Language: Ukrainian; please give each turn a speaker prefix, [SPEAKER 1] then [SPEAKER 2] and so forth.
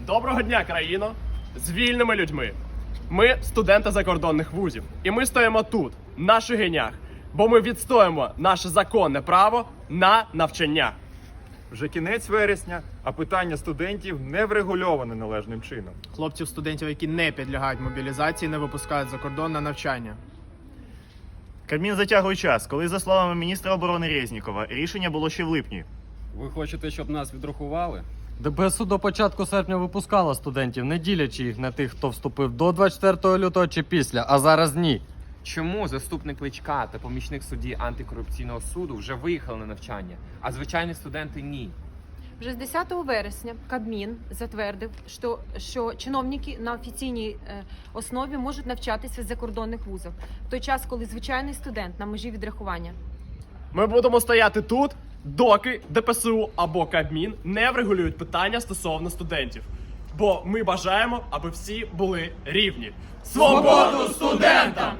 [SPEAKER 1] Доброго дня, країно! З вільними людьми. Ми студенти закордонних вузів. І ми стоїмо тут, на Шегинях, бо ми відстоїмо наше законне право на навчання.
[SPEAKER 2] Вже кінець вересня, а питання студентів не врегульоване належним чином.
[SPEAKER 3] Хлопців-студентів, які не підлягають мобілізації, не випускають за кордон на навчання.
[SPEAKER 4] Кабмін затягує час, коли, за словами міністра оборони Резнікова, рішення було ще в липні.
[SPEAKER 5] Ви хочете, щоб нас відрахували?
[SPEAKER 6] ДПСУ до початку серпня випускала студентів, не ділячи їх на тих, хто вступив до 24 лютого чи після, а зараз ні.
[SPEAKER 7] Чому заступник Кличка та помічник судді антикорупційного суду вже виїхали на навчання, а звичайні студенти ні?
[SPEAKER 8] Вже з 10 вересня Кабмін затвердив, що чиновники на офіційній основі можуть навчатися в закордонних вузах, в той час, коли звичайний студент на межі відрахування.
[SPEAKER 1] Ми будемо стояти тут, доки ДПСУ або Кабмін не врегулюють питання стосовно студентів. Бо ми бажаємо, аби всі були рівні. Свободу студентам!